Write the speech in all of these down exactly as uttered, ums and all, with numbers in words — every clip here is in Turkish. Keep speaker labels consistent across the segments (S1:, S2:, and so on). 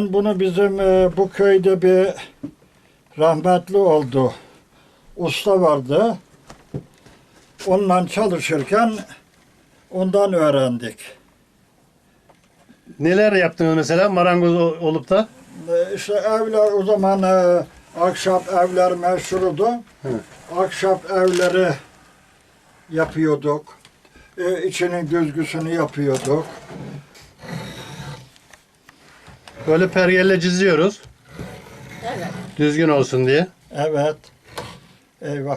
S1: Ben bunu bizim e, bu köyde bir rahmetli oldu. Usta vardı. Onunla çalışırken ondan öğrendik.
S2: Neler yaptınız mesela marangoz ol- olup da?
S1: E, İşte evler o zaman e, ahşap evler meşhurdu.
S2: Hı.
S1: Ahşap evleri yapıyorduk. E, içinin düzgüsünü yapıyorduk.
S2: Böyle pergelle çiziyoruz.
S3: Evet.
S2: Düzgün olsun diye.
S1: Evet. Eyvah.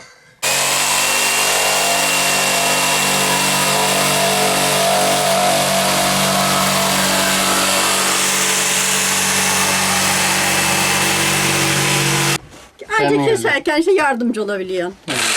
S3: Ancak
S2: Kendin
S3: keserken işte yardımcı olabiliyorsun.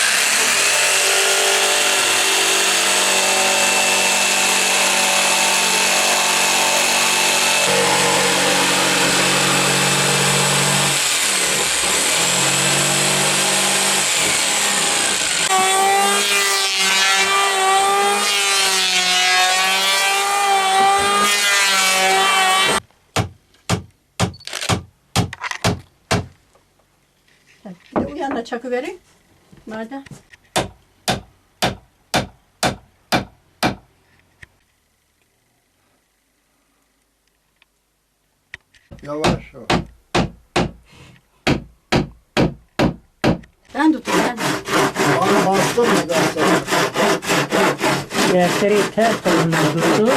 S3: Bir de uyanla çakı verin. Madem.
S1: Yavaş ol.
S3: Ben tutayım ben.
S1: Bana bastın mı ben sana?
S4: Dersleri ters kolundan tuttu.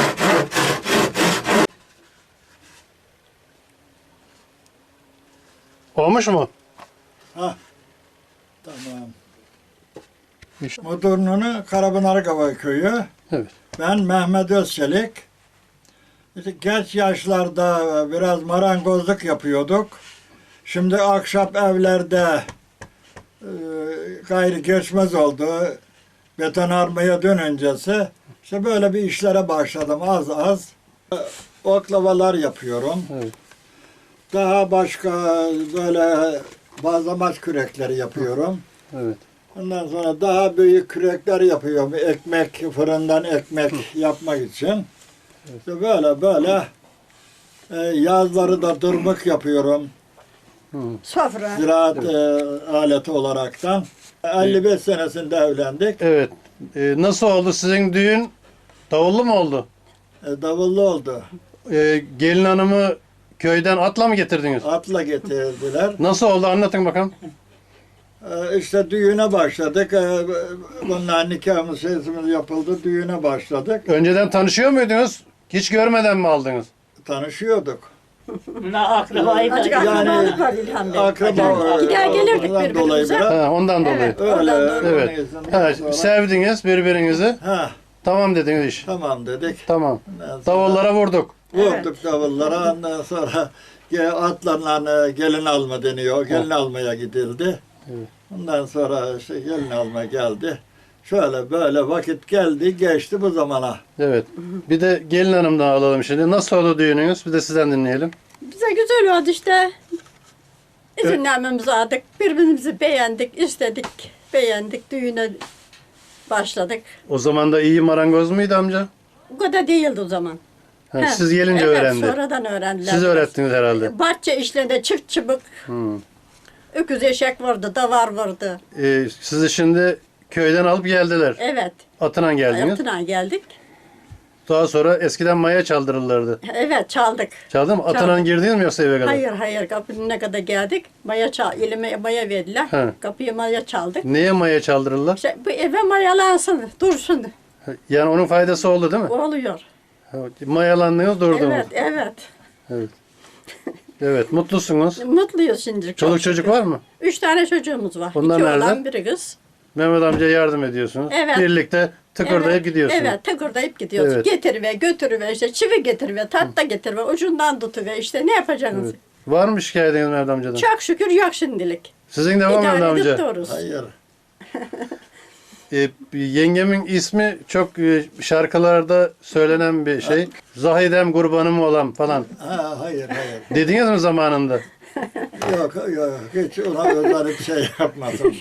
S2: Olmuş mu?
S1: Ha. Tamam.
S2: İşte.
S1: Modernunu Karapınarkava köyü.
S2: Evet.
S1: Ben Mehmet Özçelik. İşte genç yaşlarda biraz marangozluk yapıyorduk. Şimdi ahşap evlerde e, gayri geçmez oldu. Betonarmaya dönüncesi işte böyle bir işlere başladım az az. E, Oklavalar yapıyorum.
S2: Evet.
S1: Daha başka böyle bazlamaç kürekleri yapıyorum.
S2: Evet.
S1: Ondan sonra daha büyük kürekler yapıyorum. Ekmek, fırından ekmek yapmak için. İşte böyle böyle e, yazları da dırmık yapıyorum.
S3: Sofra.
S1: Ziraat e, aleti olaraktan. elli beş senesinde evlendik.
S2: Evet. Ee, nasıl oldu sizin düğün? Davullu mu oldu?
S1: E, davullu oldu.
S2: Ee, gelin hanımı köyden atla mı getirdiniz?
S1: Atla getirdiler.
S2: Nasıl oldu anlatın bakalım.
S1: E, işte düğüne başladık. E, bunlar nikahımız, sesimiz yapıldı. Düğüne başladık.
S2: Önceden tanışıyor muydunuz? Hiç görmeden mi aldınız?
S1: Tanışıyorduk.
S4: Na akrabayı da.
S3: Azıcık
S1: Yani-
S3: akrabalık var İlhan Bey.
S1: Akraba
S3: Gider gelirdik
S1: ondan dolayı
S3: birbirimize.
S1: biraz.
S2: Ha, ondan dolayı.
S3: Evet.
S1: Öyle.
S3: Oradan dolayı.
S2: Evet.
S1: Ondan
S2: Ha,
S1: sonra-
S2: sevdiniz birbirinizi.
S1: Ha,
S2: Tamam dediniz iş.
S1: tamam dedik.
S2: Tamam.
S1: Ondan sonra
S2: Davullara vurduk.
S1: vurduk davullara. Ondan sonra ge- atlarla gelin alma deniyor. Gelin almaya gidildi.
S2: Evet.
S1: Ondan sonra işte gelin alma geldi. Şöyle böyle vakit geldi geçti bu zamana.
S2: Evet. Bir de gelin hanımdan alalım şimdi. Nasıl oldu düğününüz? Bir de sizden dinleyelim.
S3: Bize güzel oldu işte. İzinlenmemizi aldık. Birbirimizi beğendik, istedik, beğendik. Düğüne başladık.
S2: O zaman da iyi marangoz muydu amca?
S3: Bu kadar değildi o zaman.
S2: Ha,
S3: He.
S2: siz gelince
S3: evet,
S2: öğrendi.
S3: sonradan öğrendiler.
S2: Siz öğrettiniz herhalde.
S3: Bahçe işlerinde çift çıbık,
S2: Hmm.
S3: öküz eşek vardı, davar vardı.
S2: Ee, sizi şimdi köyden alıp geldiler.
S3: Evet.
S2: Atına geldiniz.
S3: Hayatına geldik.
S2: Daha sonra eskiden maya çaldırırlardı.
S3: Evet çaldık.
S2: Çaldı mı? Atına
S3: Çaldım.
S2: girdiniz mi yoksa eve kadar?
S3: Hayır hayır kapının ne kadar geldik. Maya çal, elime maya verdiler.
S2: He.
S3: Kapıya maya çaldık.
S2: Neye maya çaldırırlar?
S3: İşte bu eve mayalansın, dursun.
S2: Yani onun faydası oldu değil mi?
S3: Oluyor.
S2: Mayalandınız durdunuz.
S3: Evet, evet.
S2: Evet. Evet, mutlusunuz.
S3: Mutluyuz şimdi. çok
S2: Çoluk çocuk
S3: şükür.
S2: var mı?
S3: Üç tane çocuğumuz var.
S2: Onlar
S3: İki
S2: nerede?
S3: oğlan, biri kız.
S2: Mehmet amca yardım ediyorsunuz.
S3: Evet.
S2: Birlikte tıkırdayıp
S3: evet,
S2: gidiyorsunuz.
S3: Evet, tıkırdayıp gidiyoruz.
S2: Evet.
S3: Getiriver, götürüver, işte çivi getiriver, tahta getiriver, ucundan tutuver, işte ne yapacaksınız?
S2: Evet. Var mı şikayetiniz Mehmet amcadan?
S3: Çok şükür yok şimdilik.
S2: Sizin de var mı Mehmet
S3: İdare edip
S2: amca?
S3: dururuz.
S1: Hayır.
S2: Ee, yengemin ismi çok e, şarkılarda söylenen bir şey. Zahidem kurbanım olam falan.
S1: Ha, hayır hayır.
S2: Dediniz mi zamanında?
S1: Yok yok hiç ona özel bir şey yapmadım.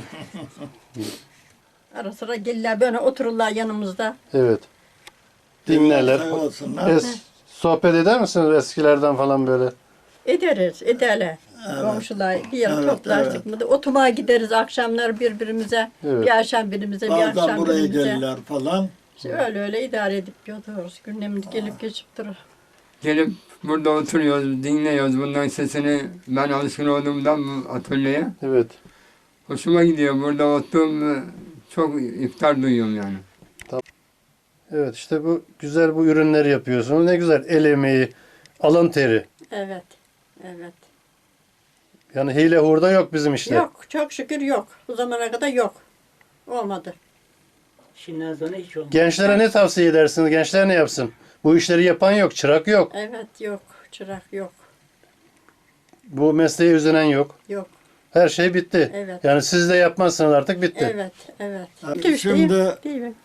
S3: Ara sıra gelirler böyle otururlar yanımızda.
S2: Evet. Dinlerler.
S1: Sağ olsunlar.
S2: Es, sohbet eder misiniz eskilerden falan böyle?
S3: Ederiz, ederler. Komşular bir yere
S1: Evet,
S3: toplaştık
S1: evet.
S3: mı da oturmaya gideriz akşamlar birbirimize.
S2: Evet.
S3: Bir akşam birimize, bir
S1: Bazen
S3: akşam
S1: buraya
S3: birimize.
S1: gelirler falan.
S3: İşte öyle öyle idare edip gidiyoruz. Günlerimiz gelip geçip durur.
S5: Gelip burada oturuyoruz, dinliyoruz bunların sesini. Ben alışkın olduğumdan bu atölyeye.
S2: Evet.
S5: Hoşuma gidiyor. Burada oturduğum çok iftar duyuyorum yani.
S2: Evet işte bu güzel bu ürünleri yapıyorsunuz. Ne güzel el emeği, alın teri.
S3: Evet, evet.
S2: Yani hile hurda yok bizim işte.
S3: Yok, çok şükür yok. Bu zamana kadar yok. Olmadı.
S4: Şimdiden sonra hiç olmaz.
S2: Gençlere ne tavsiye edersiniz? Gençler ne yapsın? Bu işleri yapan yok, çırak yok.
S3: Evet, yok. Çırak yok.
S2: Bu mesleğe üzülen yok.
S3: Yok.
S2: Her şey bitti.
S3: Evet.
S2: Yani siz de yapmazsınız artık bitti.
S3: Evet, evet.
S1: Yani
S3: Değil,
S1: şimdi-
S3: değil, değil mi?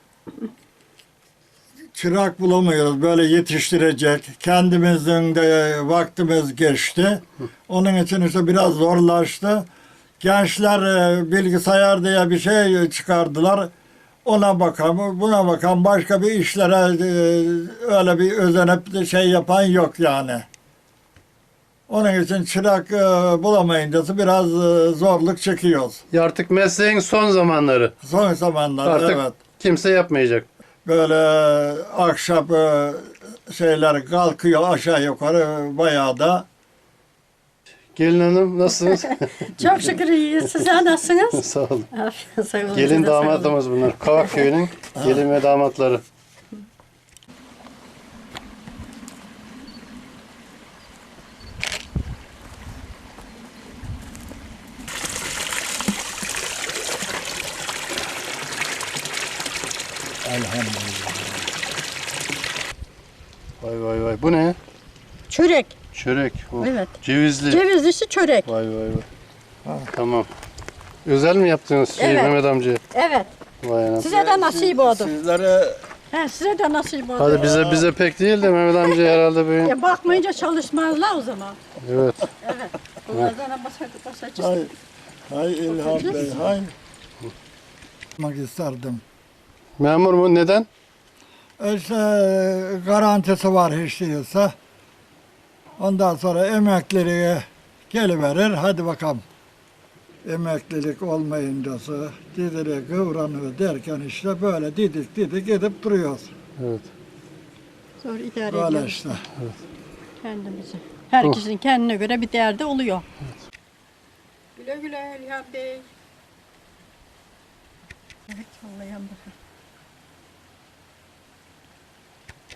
S1: Çırak bulamıyoruz böyle yetiştirecek. Kendimizin de vaktimiz geçti. Onun için işte biraz zorlaştı. Gençler e, bilgisayar diye bir şey çıkardılar. Ona bakan, buna bakan başka bir işlere e, öyle bir özenip de şey yapan yok yani. Onun için çırak e, bulamayınca biraz e, zorluk çekiyoruz.
S2: Ya artık mesleğin son zamanları.
S1: Son zamanlarda
S2: Artık
S1: evet.
S2: kimse yapmayacak.
S1: Böyle akşam e, şeyler kalkıyor aşağı yukarı bayağı da.
S2: Gelin hanım nasılsınız?
S3: Çok şükür iyiyiz. Sizler nasılsınız?
S2: Sağ olun.
S3: Aferin, sağ olun.
S2: Gelin
S3: Siz de sağ olun.
S2: damatımız bunlar. Kavak köyünün gelin ve damatları.
S1: Elhamdülillah.
S2: Vay vay vay. Bu ne?
S3: Çörek.
S2: Çörek. Oh,
S3: Evet.
S2: Cevizli.
S3: Cevizlisi çörek.
S2: Vay vay vay. Tamam. Özel mi yaptınız şey,
S3: Evet.
S2: Mehmet amca?
S3: Evet.
S2: Vay anam.
S3: Size de nasip oldu.
S1: Sizlere
S3: He, size de nasip oldu.
S2: Hadi bize bize pek değil de Mehmet amca herhalde böyle.
S3: Ya bakmayınca çalışmazlar o zaman.
S2: Evet.
S3: Evet. Bunlardan basardık basacağız.
S1: hay, hay İlhan Bey hay. Yapmak isterdim.
S2: Memur mu? Neden?
S1: İşte garantisi var hiç değilse. Ondan sonra emekliye geliverir. Hadi bakalım. Emeklilik olmayınca didiri kıvranıyor derken işte böyle didik didik gidip duruyoruz.
S2: Evet.
S3: Sonra idare
S1: Böyle
S3: ediyoruz
S1: işte.
S3: kendimizi. Herkesin kendine göre bir derdi oluyor. Güle güle İlhan Bey. Evet, vallahi bakın.